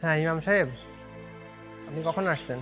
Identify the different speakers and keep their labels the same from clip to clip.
Speaker 1: হ্যাঁ ইমাম সাহেব, আপনি কখন আসছেন?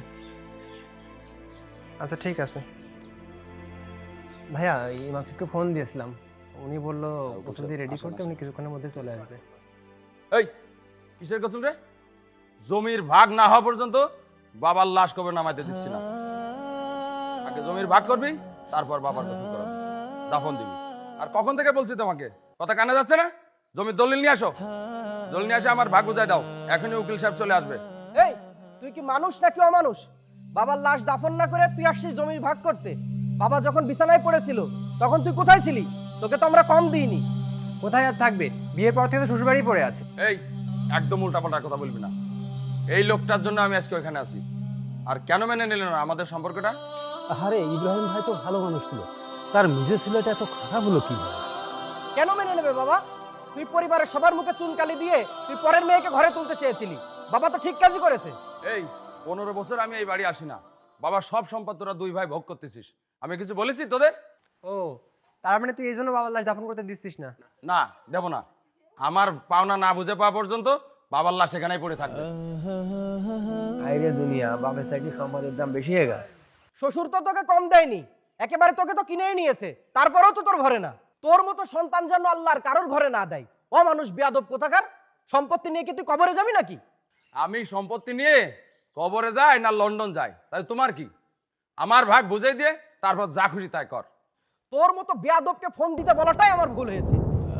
Speaker 1: আচ্ছা ঠিক আছে ভাইয়া, ইমাম সাহেবকে ফোন দিয়েছিলাম, উনি বললো গোসল দিয়ে রেডি করতে, উনি কিছুক্ষণের মধ্যে চলে আসবে।
Speaker 2: এই কিসের গোসল রে? জমির ভাগ না হওয়া পর্যন্ত বাবার লাশ কবে নামাইতে দিচ্ছি না। আগে জমির ভাগ করবি, তারপর বাবার গোসল করাবি, দাফন দিবি। আর কখন থেকে বলছি তোমাকে, কথা কানে যাচ্ছে না? জমির দলিল নিয়ে আসো, দলিল নিয়ে আসে আমার ভাগ বুঝাই দাও, এখনই উকিল সাহেব চলে আসবে।
Speaker 3: এই তুই কি মানুষ নাকি অমানুষ? বাবার লাশ দাফন না করে তুই আসছিস জমির ভাগ করতে? বাবা যখন বিছানায় পড়েছিল তখন তুই কোথায় ছিলি? তোকে তো আমরা কম দিইনি।
Speaker 1: কোথায় আর থাকবে, বিয়ের পর থেকে তো শ্বশুরবাড়ি পড়ে আছে।
Speaker 2: এই একদম উল্টাপাল্টা কথা বলবি না। এই লোকটার জন্য আমি আজকে ওখানে আছি। আর কেন মেনে নিলেন না আমাদের সম্পর্কটা?
Speaker 4: আরে ইব্রাহিম ভাই তো ভালো মানুষ ছিল, তার নিজের ছেলেটা এত খারাপ হলো কি?
Speaker 3: কেন মেনে নেবে বাবা? তুই পরিবারের সবার মুখে চুনকালি দিয়ে তুই পরের মেয়েকে ঘরে তুলতে চেয়েছিলি। বাবা তো ঠিক কাজই করেছে।
Speaker 2: এই 15 বছর আমি এই বাড়ি আসি না, বাবা সব সম্পদ তোরা দুই ভাই ভোগ করতেছিস, আমি কিছু বলেছি তোদের?
Speaker 1: ও, তার মানে তুই এই জন্য বাবার লাশ দাফন করতে দিচ্ছিস না?
Speaker 2: না, দেব না। আমার পাওনা না বুঝে পাওয়া পর্যন্ত বাবার লাশ সেখানেই পড়ে থাকবে।
Speaker 4: আইরে দুনিয়া, বাপের সাইডে সম্পদের দাম বেশি হয়ে গেল।
Speaker 3: শ্বশুর তো তোকে কম দেয়নি, একেবারে তোকে তো কিনেই নিয়েছে, তারপরেও তো তোর ঘরে না। তোর মতো সন্তান যেন আল্লাহর কারোর ঘরে না দেয়। ও মানুষ বেয়াদব কোথাকার। সম্পত্তি নিয়ে কি তুই কবরে যাবি নাকি?
Speaker 2: আমি সম্পত্তি নিয়ে কবরে যাই না লন্ডন যাই, তাই তোমার কি? আমার ভাগ বুঝাই দিয়ে তারপর যা খুশি তাই কর।
Speaker 3: তোর মতো বেয়াদবকে ফোন দিতে বলাটাই আমার ভুল হয়েছে।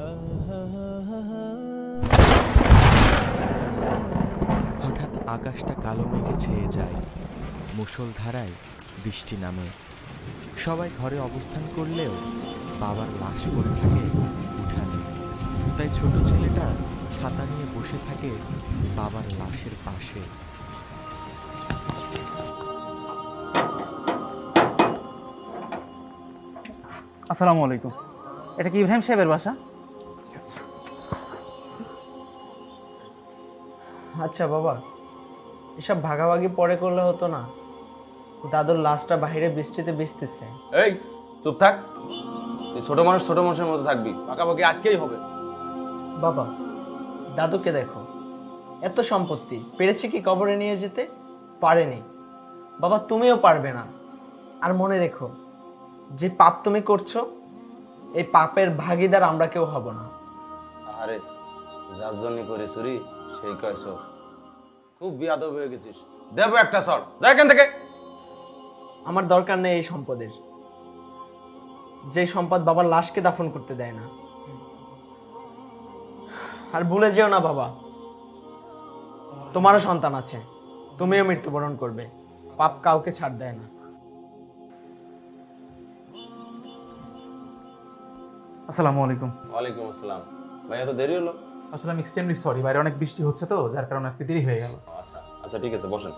Speaker 5: হঠাৎ আকাশটা কালো মেঘে ছেয়ে যায়, মুষলধারায় বৃষ্টি নামে। সবাই ঘরে অবস্থান করলেও বাবার লাশ পড়ে থাকে উঠানে। তাই ছোট ছেলেটা ছাতা নিয়ে বসে থাকে বাবার লাশের পাশে।
Speaker 6: আসসালামু আলাইকুম। এটা কি ইব্রাহিম সাহেবের বাসা?
Speaker 7: আচ্ছা বাবা, এসব ভাগাভাগি পরে করলে হতো না? দাদুর লাশটা বাইরে বৃষ্টিতে ভিজতেছে।
Speaker 2: এই চুপ থাক, তুই ছোট মানুষ ছোট মানুষের মতো থাকবি, পাকাপাকি আজকেই হবে।
Speaker 7: বাবা, দাদুকে দেখো, এত সম্পত্তি পেরেছে কি কবরে নিয়ে যেতে? পারেনি। বাবা তুমিও পারবে না। আর মনে রেখো, যে পাপ তুমি করছো, এই পাপের ভাগীদার আমরা কেউ হব না।
Speaker 2: আরে যার জন্য করে চুরি সেই কয় সর। খুব বিয়াদব হয়ে গেছিস, দেবো একটা সর, যা এখান থেকে।
Speaker 7: আমার দরকার নেই এই সম্পদের, যে সম্পদ বাবার লাশকে দাফন করতে দেয় না। আর ভুলে যেও না বাবা, তোমারও সন্তান আছে, তুমিও মৃত্যুবরণ করবে। পাপ কাউকে ছাড় দেয় না।
Speaker 6: আসসালামু আলাইকুম।
Speaker 2: ওয়ালাইকুম আসসালাম। ভাই এত দেরি হলো?
Speaker 6: আসলে আমি এক্সট্রিমলি সরি, বাইরে অনেক বৃষ্টি হচ্ছে তো, যার কারণে একটু দেরি হয়ে গেল।
Speaker 2: আচ্ছা আচ্ছা ঠিক আছে, বসেন।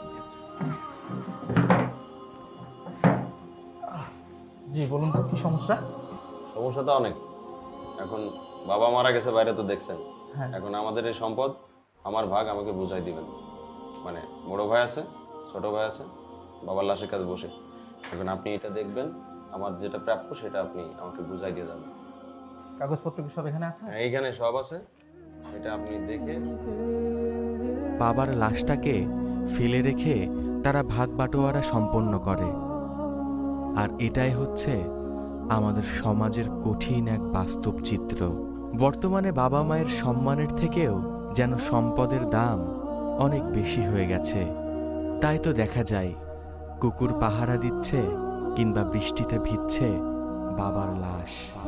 Speaker 6: জি বলুন তো, কি সমস্যা?
Speaker 2: সমস্যা তো অনেক। এখন বাবা মারা গেছে, বাইরে তো দেখছেন।
Speaker 6: হ্যাঁ।
Speaker 2: এখন আমাদের এই সম্পদ, আমার ভাগ আমাকে বুঝাই দিবেন। মানে বড় ভাই আছে, ছোট ভাই আছে, বাবার লাশের কাছে বসে। এখন আপনি এটা দেখবেন, আমার যেটা প্রাপ্য সেটা আপনি আমাকে বুঝাই দিয়ে যাবেন।
Speaker 6: কাগজপত্র কি সব এখানে আছে?
Speaker 2: হ্যাঁ, এইখানে সব আছে, সেটা আপনি দেখে।
Speaker 5: বাবার লাশটাকে ফেলে রেখে তারা ভাগ বাটোয়ারা সম্পন্ন করে। আর এটাই হচ্ছে আমাদের সমাজের কঠিন এক বাস্তব চিত্র। বর্তমানে বাবা মায়ের সম্মানের থেকেও যেন সম্পদের দাম অনেক বেশি হয়ে গেছে। তাই তো দেখা যায় কুকুর পাহারা দিচ্ছে কিংবা বৃষ্টিতে ভিজছে বাবার লাশ।